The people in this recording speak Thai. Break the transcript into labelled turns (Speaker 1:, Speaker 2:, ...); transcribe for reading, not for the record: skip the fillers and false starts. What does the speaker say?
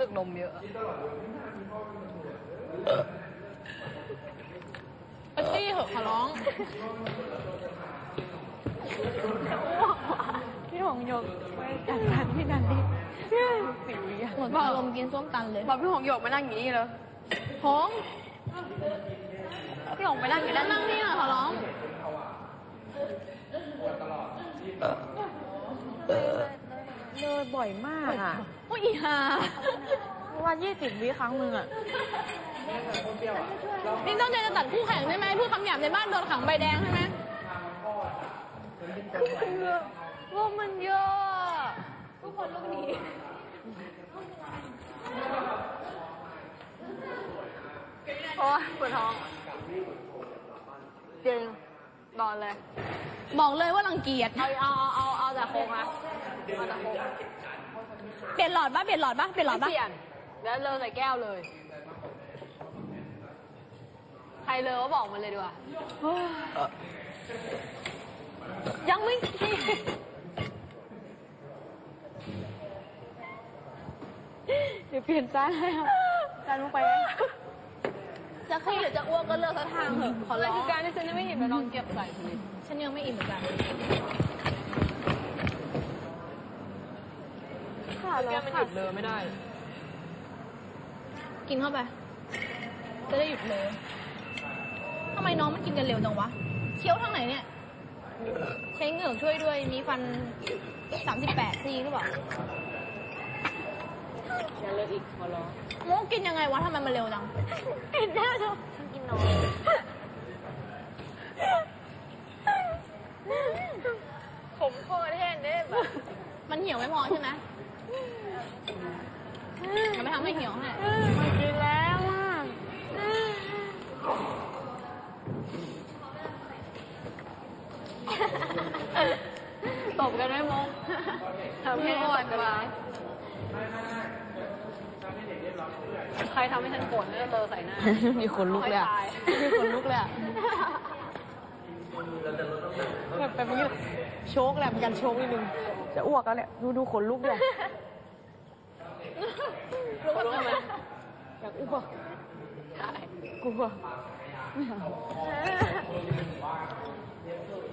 Speaker 1: สึกนมเยอะปาตี้เหอะขอร้องพี่หงหยกไม่จัดการพี่นันดิสิวิหมดอารมณ์กินส้มตันเลยบอกพี่หงหยกมานั่งอย่างนี้เลยหงพี่หงไปนั่งอยู่ด้านนั่งนี่ขอร้องเลยบ่อยมากอ่ะโอ้ยอีห่าวัน20 วิครั้งนึงอ่ะนี่ต้องใจจะตัดคู่แข่งใช่ไหมพูดคำหยาบในบ้านโดนขังใบแดงใช่ไหมว่ามันเยอะทุกคนลูกนี้โอ้ยปวดท้องจริงนอนเลยบอกเลยว่ารังเกียจเอาแต่โค้งนะเอาแต่โค้งเปลี่ยนหลอดป่ะเปลี่ยนหลอดป่ะเปลี่ยนหลอดป่ะเปลี่ยนแล้วเลอใส่แก้วเลยใครเลอก็บอกมันเลยดีกว่ายังไม่เดี๋ยวเปลี่ยนจานให้ครับจานลงไปจะขี้หรือจะอ้วกก็เลือกสักทางเถอะขอร้องคือการที่ฉันยังไม่อิ่มแล้วลองเก็บใส่สิฉันยังไม่อิ่มเหมือนกันค่ะแล้วมันหยุดเลยไม่ได้กินเข้าไปจะได้หยุดเลยทำไมน้องมันกินกันเร็วจังวะเคี้ยวทางไหนเนี่ยใช้เหงือกช่วยด้วยมีฟัน38ซี่หรือเปล่าอย่าเลิกอีกขอร้องโมกินยังไงวะทำไมมันเร็วจังกินได้เถอะฉันกินน้อยขมคอแทนได้แบบมันเหี่ยวไม่พอใช่ไหมจะไม่ทำให้เหี่ยวให้มันกินแล้วตบกันได้มงทำให้อ่อนกว่าใครทำให้ฉันโกรธเนี่ยเลอใส่หน้ามีคนลุกเลยมีคนลุกเลยแบบยืดโชกแหละเป็นการโชกนิดนึงจะอ้วกแล้วแหละดูขนลุกเลยรู้ทำไมอยากอ้วกใช่กลัวไม่เอา